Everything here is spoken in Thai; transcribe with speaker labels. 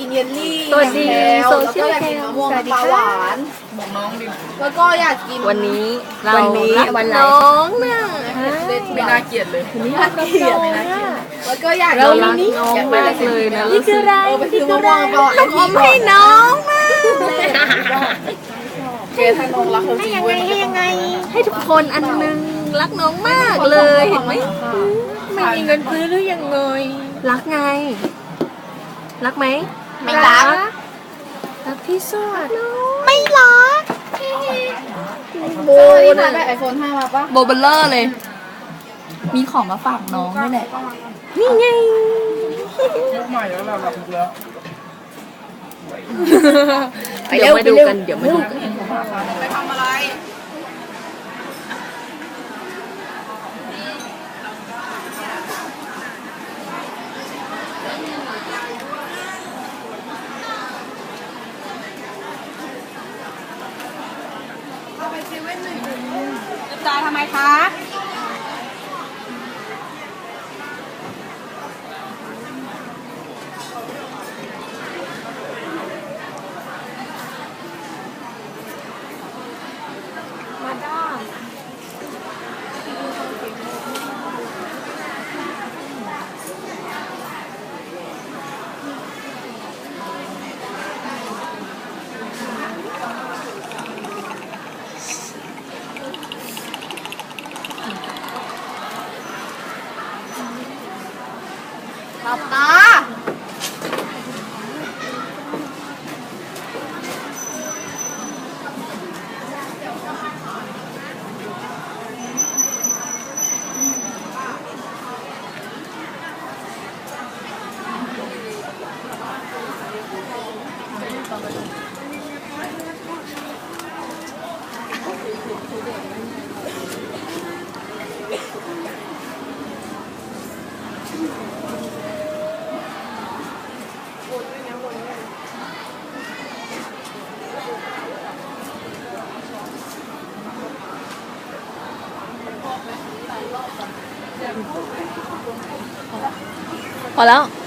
Speaker 1: กินเยลลี่
Speaker 2: สวัสดี
Speaker 1: แล้ว
Speaker 2: โซ
Speaker 1: แล้ว
Speaker 2: เชีย
Speaker 1: ก็
Speaker 2: ล
Speaker 1: อยาก
Speaker 2: แค
Speaker 1: กิน
Speaker 2: ม
Speaker 1: มะม่วง
Speaker 2: สวัสดี
Speaker 1: ปลา
Speaker 2: ค่ะ
Speaker 1: หวานบอกน้องดิแล้วก็อยากกิน
Speaker 2: วันนี้เรา
Speaker 3: วันนี้
Speaker 2: รัก
Speaker 3: วันไหน
Speaker 2: น้องน่ะ
Speaker 1: ไม่น่าเกลียดเลย
Speaker 2: วันนี้รักน้องน่ะ
Speaker 1: แล้วก็อยาก
Speaker 2: เรา
Speaker 1: กิน
Speaker 2: รักน้องมากเลยนะ
Speaker 3: นี่คืออะไร
Speaker 1: ไปซื้อมะม่วงปลาหวาน
Speaker 2: ต้องอมให้น้องนะ
Speaker 1: เกถ้าน้องรักเขาจริงเว้ย
Speaker 2: ให้ทุกคนอันนึงรักน้องมากเลยเห็นไหมไม่มีเงินซื้อหรือยังไงรักไง รักไหม
Speaker 1: ไม่รัก
Speaker 2: รักที่สุด
Speaker 3: ไม่รัก
Speaker 1: โบที่ผ่านไปไอโฟน5มาปะ
Speaker 2: โบเบลเลอร์เลย
Speaker 3: มีของมาฝากน้องด้วยแหละ
Speaker 2: นี่ไง
Speaker 1: ยุคใหม่แล้วเราหลับแล้ว
Speaker 2: เดี๋ยวมาดูกันเดี๋ยวมาดูกัน
Speaker 1: ไปทำอะไรจาทำไมคะหลับตา
Speaker 2: พอแล้ว